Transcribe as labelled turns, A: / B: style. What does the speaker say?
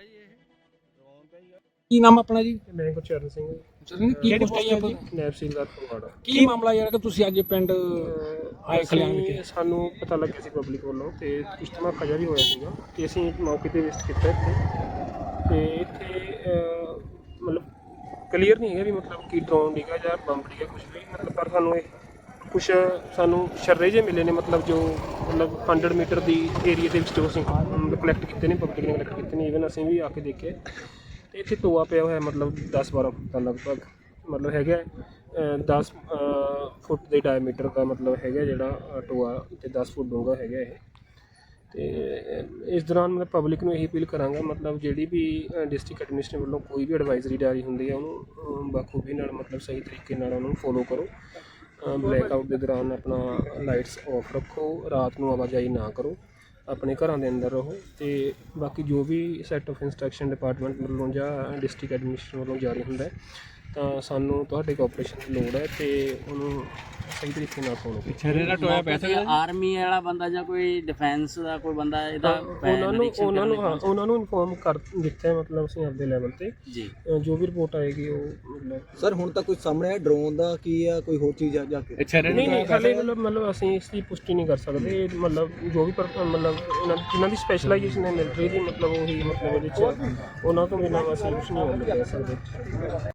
A: ਜੀ ਇਹ ਡਰੋਨ ਦਾ ਹੀ ਆ।
B: ਕੀ ਨਾਮ ਆਪਣਾ ਜੀ?
C: ਮੈਂ ਗੁਰਚਰਨ ਸਿੰਘ
B: ਕੀ ਪੋਸਟ ਆਈ ਆਪਾਂ?
C: ਨੈਬ ਸੀਲਦਾਰ ਫਗਵਾੜਾ।
B: ਕੀ ਮਾਮਲਾ ਯਾਰ ਕਿ ਤੁਸੀਂ ਅੱਜ ਪਿੰਡ ਆਏ ਖਲਿਆਣ ਵਿਖੇ?
C: ਸਾਨੂੰ ਪਤਾ ਲੱਗਿਆ ਸੀ ਪਬਲਿਕ ਵੱਲੋਂ ਤੇ ਕੁਝ ਧਮਾਕਾ ਜਿਹਾ ਵੀ ਹੋਇਆ ਸੀਗਾ ਤੇ ਅਸੀਂ ਮੌਕੇ ਤੇ ਵਿਜ਼ਿਟ ਕੀਤਾ ਇੱਥੇ ਤੇ ਇੱਥੇ ਮਤਲਬ ਕਲੀਅਰ ਨਹੀਂ ਹੈਗਾ ਵੀ ਮਤਲਬ ਕੀ ਡਰੋਨ ਡਿੱਗਾ ਜਾਂ ਬੰਬ ਡਿੱਗਾ ਕੁਝ ਵੀ ਮਤਲਬ, ਪਰ ਸਾਨੂੰ ਇਹ ਕੁਛ ਸਾਨੂੰ ਸ਼ਰਰੇ ਜਿਹੇ ਮਿਲੇ ਨੇ ਮਤਲਬ ਜੋ ਮਤਲਬ 100 ਮੀਟਰ ਦੀ ਏਰੀਆ ਦੇ ਵਿੱਚ ਜੋ ਅਸੀਂ ਕਲੈਕਟ ਕੀਤੇ ਨੇ, ਪਬਲਿਕ ਨੇ ਕਲੈਕਟ ਕੀਤੇ ਨੇ, ਈਵਨ ਅਸੀਂ ਵੀ ਆ ਕੇ ਦੇਖੇ ਤੇ ਇੱਥੇ ਟੋਆ ਪਿਆ ਹੋਇਆ ਮਤਲਬ 10-12 ਫੁੱਟ ਦਾ ਲਗਭਗ ਮਤਲਬ ਹੈਗਾ 10 ਫੁੱਟ ਦੇ ਡਾਇਮੀਟਰ ਦਾ ਮਤਲਬ ਹੈਗਾ ਜਿਹੜਾ ਟੋਆ ਤੇ 10 ਫੁੱਟ ਡੂੰਘਾ ਹੈਗਾ ਇਹ। ਤੇ ਇਸ ਦੌਰਾਨ ਮੈਂ ਪਬਲਿਕ ਨੂੰ ਇਹੀ ਅਪੀਲ ਕਰਾਂਗਾ ਮਤਲਬ ਜਿਹੜੀ ਵੀ ਡਿਸਟ੍ਰਿਕਟ ਐਡਮਿਨਿਸਟ੍ਰੇਸ਼ਨ ਵੱਲੋਂ ਕੋਈ ਵੀ ਐਡਵਾਈਜ਼ਰੀ ਜਾਰੀ ਹੁੰਦੀ ਹੈ ਉਹਨੂੰ ਬਖੂਬੀ ਨਾਲ ਮਤਲਬ ਸਹੀ ਤਰੀਕੇ ਨਾਲ ਉਹਨੂੰ ਫੋਲੋ ਕਰੋ। ਬਲੈਕ ਆਊਟ ਦੇ ਦੌਰਾਨ ਆਪਣਾ ਲਾਈਟਸ ਆਫ ਰੱਖੋ, ਰਾਤ ਨੂੰ ਆਵਾਜਾਈ ਨਾ ਕਰੋ, ਆਪਣੇ ਘਰਾਂ ਦੇ ਅੰਦਰ ਰਹੋ ਤੇ ਬਾਕੀ ਜੋ ਵੀ ਸੈੱਟ ਆਫ ਇੰਸਟਰਕਸ਼ਨ ਡਿਪਾਰਟਮੈਂਟ ਵੱਲੋਂ ਜਾਂ ਡਿਸਟ੍ਰਿਕਟ ਐਡਮਿਨਿਸਟ੍ਰੇਸ਼ਨ ਵੱਲੋਂ ਜਾਰੀ ਹੁੰਦਾ ਤਾਂ ਸਾਨੂੰ ਤੁਹਾਡੇ ਕੋਆਪਰੇਸ਼ਨ ਦੀ ਲੋੜ ਹੈ ਤੇ ਉਹਨੂੰ ਸਹੀ ਤਰੀਕੇ ਨਾਲ ਫੋਲੋ ਕਰੋ।
A: ਛੇਰੇ ਦਾ ਟੋਇਆ ਪੈ ਸਕਦਾ ਆਰਮੀ ਵਾਲਾ ਬੰਦਾ ਜਾਂ ਕੋਈ ਡਿਫੈਂਸ ਦਾ ਕੋਈ ਬੰਦਾ ਇਹਦਾ
C: ਉਹਨਾਂ ਨੂੰ ਇਨਫੋਰਮ ਕਰ ਦਿੱਤਾ ਹੈ ਮਤਲਬ ਅਸੀਂ ਆਪਦੇ ਲੈਵਲ ਤੇ
A: ਜੀ
C: ਜੋ ਵੀ ਰਿਪੋਰਟ ਆਏਗੀ ਉਹ ਮਤਲਬ।
D: ਸਰ ਹੁਣ ਤੱਕ ਕੁਝ ਸਾਹਮਣੇ ਆਇਆ ਡਰੋਨ ਦਾ ਕੀ ਆ, ਕੋਈ ਹੋਰ ਚੀਜ਼ ਆ ਜਾ ਕੇ?
C: ਨਹੀਂ ਹਾਲੇ ਮਤਲਬ ਅਸੀਂ ਇਸ ਦੀ ਪੁਸ਼ਟੀ ਨਹੀਂ ਕਰ ਸਕਦੇ ਮਤਲਬ ਜੋ ਵੀ ਮਤਲਬ ਜਿਨ੍ਹਾਂ ਦੀ ਸਪੈਸ਼ਲਾਈਜੇਸ਼ਨ ਹੈ ਮਿਲਟਰੀ ਦੀ ਮਤਲਬ ਉਹੀ ਮਤਲਬ ਇਹਦੇ 'ਚ ਉਹਨਾਂ ਤੋਂ ਬਿਨਾਂ ਅਸੀਂ ਕੁਛ ਨਹੀਂ ਕਰ ਸਕਦੇ।